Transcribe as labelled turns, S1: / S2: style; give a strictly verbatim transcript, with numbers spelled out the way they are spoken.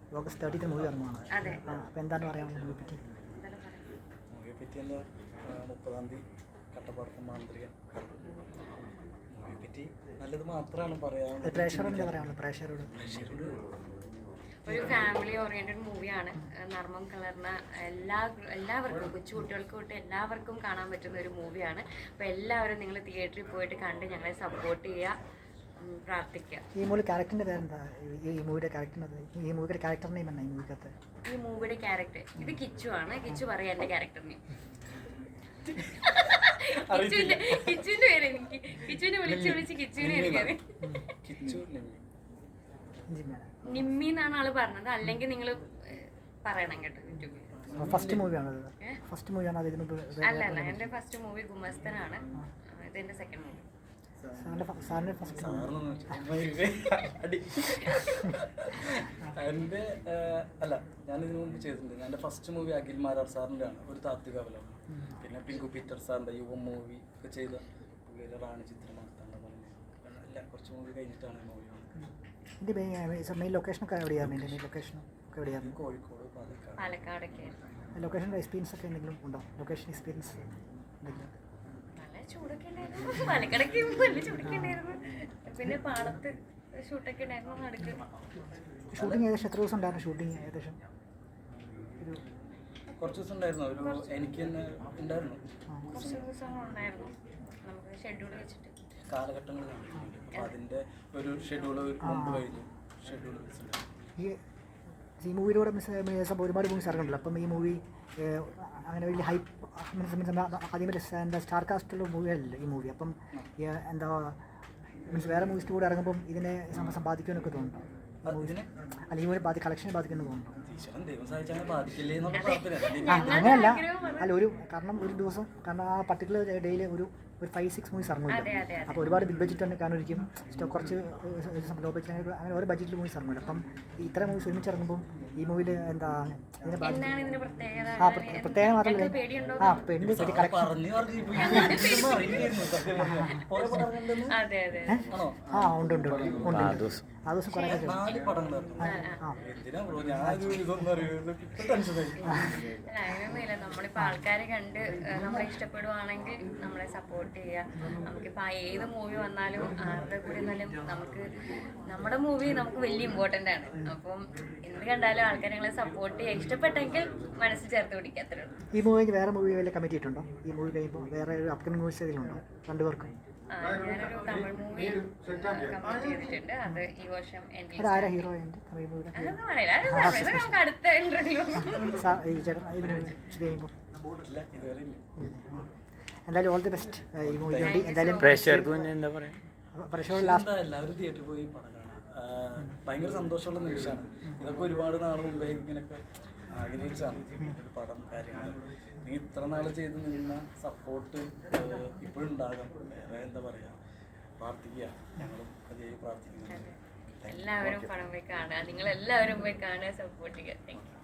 S1: August തേർട്ടീത്തിന് movie ഇറങ്ങുവാണ്.
S2: അതെ.
S1: അപ്പോൾ എന്താണ് പറയാനുള്ളത് മൂവിയെ പറ്റി?
S3: മൂവിയെ പറ്റി എന്താ, മുപ്പതാം തീയതി കട്ടപ്പാടത്ത് മാന്ത്രികൻ മൂവിയെ പറ്റി നല്ലത് മാത്രമാണ് പറയാനുള്ളത്.
S1: പ്രേക്ഷകരോട് എന്താ പറയാനുള്ളത്? പ്രേക്ഷകരോട്
S2: ഒരു ഫാമിലി ഓറിയന്റഡ് മൂവിയാണ്. നർമ്മം കലർന്ന എല്ലാ എല്ലാവർക്കും കൊച്ചു കുട്ടികൾക്ക് തൊട്ട് എല്ലാവർക്കും കാണാൻ പറ്റുന്ന ഒരു മൂവിയാണ്. അപ്പോൾ എല്ലാവരും നിങ്ങൾ തിയേറ്ററിൽ പോയിട്ട് കണ്ട് ഞങ്ങളെ സപ്പോർട്ട് ചെയ്യുക, പ്രാർത്ഥിക്കുക.
S1: ഈ മൂവി ക്യാരക്ടറിൻ്റെ പേരെന്താ? ഈ മൂവിയുടെ ക്യാരക്ടറിൻ്റെ ഈ മൂവിയുടെ ക്യാരക്ടർ നെയിം എന്നാ ഈ മൂവിക്കകത്ത്?
S2: ഈ മൂവിയുടെ ക്യാരക്ടർ ഇത് കിച്ചു ആണ്. കിച്ചു പറയാം എൻ്റെ ക്യാരക്ടർ നെയിം. കിച്ചുവിന്റെ കിച്ചുവിന്റെ പേര് എനിക്ക് കിച്ചുവിനെ വിളിച്ച് വിളിച്ച് കിച്ചുവിനെ എനിക്കറിയാം. നിമ്മി എന്നാണ് ആള് പറഞ്ഞത്. അല്ലെങ്കിൽ നിങ്ങൾ പറയണം കേട്ടോ യൂട്യൂബിൽ.
S1: ഫസ്റ്റ് മൂവിയാണ് ഫസ്റ്റ് മൂവിയാണ് അത്? ഇതിന്
S2: അല്ല അല്ല എൻ്റെ ഫസ്റ്റ് മൂവി ഗുമസ്തനാണ്. ഇത് എൻ്റെ സെക്കൻഡ് മൂവി.
S1: സാറിൻ്റെ ഫസ്റ്റ്
S3: എൻ്റെ അല്ല, ഞാൻ ഇതിനു മുമ്പ് ചെയ്തിട്ടുണ്ട്. എൻ്റെ ഫസ്റ്റ് മൂവി അഖിൽ മാരാർ സാറിൻ്റെ ആണ്, ഒരു താത്വിക അവലംബം. പിന്നെ പിങ്കു പീറ്റർ സാറിൻ്റെ യുവ മൂവി ഒക്കെ ചെയ്ത പുള്ളിയുടെ റാണി ചിത്രമാർത്താണ്ട പറഞ്ഞു. അല്ല, കുറച്ച് മൂവി കഴിഞ്ഞിട്ടാണ് മൂവി
S1: ഇതിൻ്റെ മെയിൻ ലൊക്കേഷനൊക്കെ എവിടെയാണ്? എൻ്റെ മെയിൻ ലൊക്കേഷനും ഒക്കെ എവിടെയാണ്?
S3: കോഴിക്കോട്, പാലക്കാട്.
S2: പാലക്കാടൊക്കെ.
S1: ലൊക്കേഷൻ്റെ എക്സ്പീരിയൻസ് ഒക്കെ എന്തെങ്കിലും ഉണ്ടോ? ലൊക്കേഷൻ എക്സ്പീരിയൻസ് എന്തെങ്കിലും?
S2: നല്ല ചൂടൊക്കെ ഉണ്ടായിരുന്നു പാലക്കാടൊക്കെ, നല്ല ചൂടൊക്കെ ഉണ്ടായിരുന്നു. പിന്നെ പാടത്ത് ഷൂട്ടൊക്കെ ഉണ്ടായിരുന്നു. നടുക്ക്
S1: ഷൂട്ടിങ് ഏകദേശം എത്ര ദിവസം ഉണ്ടായിരുന്നു? ഷൂട്ടിങ് ഏകദേശം ഒരു
S3: കുറച്ച് ദിവസം ഉണ്ടായിരുന്നു. ഒരു എനിക്ക് തന്നെ ഉണ്ടായിരുന്നു.
S2: കുറച്ച് ദിവസങ്ങൾ ഉണ്ടായിരുന്നു. നമുക്ക് ഷെഡ്യൂൾ വെച്ചിട്ട്
S3: കാലഘട്ടങ്ങളിലാണ്. അപ്പോൾ അതിൻ്റെ ഒരു ഷെഡ്യൂൾ മുമ്പ് കഴിഞ്ഞു. ഷെഡ്യൂൾ
S1: ഈ ഈ മൂവിയിലൂടെ മിസ് സംഭവം ഒരുപാട് മൂവീസ് ഇറങ്ങുന്നുണ്ടല്ലോ. അപ്പം ഈ മൂവി അങ്ങനെ വലിയ ഹൈപ്പ് മീൻസ് മീൻസ് ആദ്യമേ എന്താ സ്റ്റാർ കാസ്റ്റുള്ള മൂവിയല്ല ഈ മൂവി. അപ്പം എന്താ മീൻസ് വേറെ മൂവീസിൻ്റെ കൂടെ ഇറങ്ങുമ്പം ഇതിനെ സമ്പാദിക്കുമെന്നൊക്കെ തോന്നുന്നു. അല്ല, ഈ മൂവി ബാധി കളക്ഷനെ ബാധിക്കുമെന്ന് തോന്നുന്നു. അങ്ങനെയല്ല, അല്ല ഒരു കാരണം ഒരു ദിവസം കാരണം ആ പർട്ടിക്കുലർ ഡേയിൽ ഒരു ഒരു ഫൈവ് സിക്സ് മൂവീസ് ഇറങ്ങില്ല. അപ്പോൾ ഒരുപാട് ബിഗ് ബഡ്ജറ്റ് തന്നെ കാരണം ഒരിക്കും കുറച്ച് ലോ ബഡ്ജറ്റ് അങ്ങനെ ഓരോ ബഡ്ജറ്റിൽ മൂവീസ് ഇറങ്ങില്ല. അപ്പം ഇത്ര മൂവീസ് ഒരുമിച്ച് ഇറങ്ങുമ്പോൾ ഈ മൂവിയിൽ എന്താ ഇതിനെ ആ പ്രത്യേകം മാത്രമല്ല ആ പെണ്ണ് ശരി കളക്ഷൻ ആ ഉണ്ട് ഉണ്ട് ഉണ്ട് ആ ദിവസം കുറേ
S2: നമ്മളിപ്പോൾ ആൾക്കാരെ കണ്ട് നമ്മളെ ഇഷ്ടപ്പെടുവാണെങ്കിൽ നമ്മളെ സപ്പോർട്ട് ചെയ്യുക. നമുക്കിപ്പോൾ ഏത് മൂവി വന്നാലും ആരുടെ കൂടെ എന്നാലും നമുക്ക് നമ്മുടെ മൂവി നമുക്ക് വലിയ ഇമ്പോർട്ടൻ്റ് ആണ്. അപ്പം എന്ത് കണ്ടാലും ആൾക്കാരെ ഞങ്ങളെ സപ്പോർട്ട് ചെയ്യുക. ഇഷ്ടപ്പെട്ടെങ്കിൽ മനസ്സിൽ ചേർത്ത് പിടിക്കാത്തേ ഉള്ളൂ.
S1: ഈ മൂവിക്ക് വേറെ മൂവി വല്ല കമ്മിറ്റ് ചെയ്തിട്ടുണ്ടോ? ഈ മൂവി കഴിയുമ്പോൾ വേറെ ഒരു അപ്കമിംഗ് മൂവീസ് ഏതെങ്കിലും ഉണ്ടോ രണ്ടുപേർക്കും?
S2: ഞാനൊരു തമിഴ് മൂവി കമ്മിറ്റ് ചെയ്തിട്ടുണ്ട്. അത് ഈ വർഷം
S1: ആരാ ഹീറോ? തമിഴ് മൂവി
S2: നമുക്ക് അടുത്ത ഇന്റർവ്യൂ
S1: എന്തായാലും ഓൾ ദി ബെസ്റ്റ് ഈ മൂവിക്ക് വേണ്ടി. എന്തായാലും
S3: എന്താ പറയുക, എല്ലാവരും തിയേറ്ററിൽ പോയി പടം കാണാം. ഭയങ്കര സന്തോഷമുള്ള നിമിഷമാണ്. ഇതൊക്കെ ഒരുപാട് നാൾ മുമ്പേ ഇങ്ങനെയൊക്കെ ആഗ്രഹിച്ചാണ് ഒരു പടം കാര്യങ്ങൾ. നീ ഇത്ര നാൾ ചെയ്ത് നിന്ന സപ്പോർട്ട് ഇപ്പോഴും ഉണ്ടാകാം. വേറെ എന്താ പറയുക, പ്രാർത്ഥിക്കുക. ഞങ്ങളും അതേ പ്രാർത്ഥിക്കുന്നുണ്ട്.
S2: എല്ലാവരും പടം പോയി കാണുക. നിങ്ങൾ എല്ലാവരും പോയി കാണുക, സപ്പോർട്ട് ചെയ്യുക. Thank U.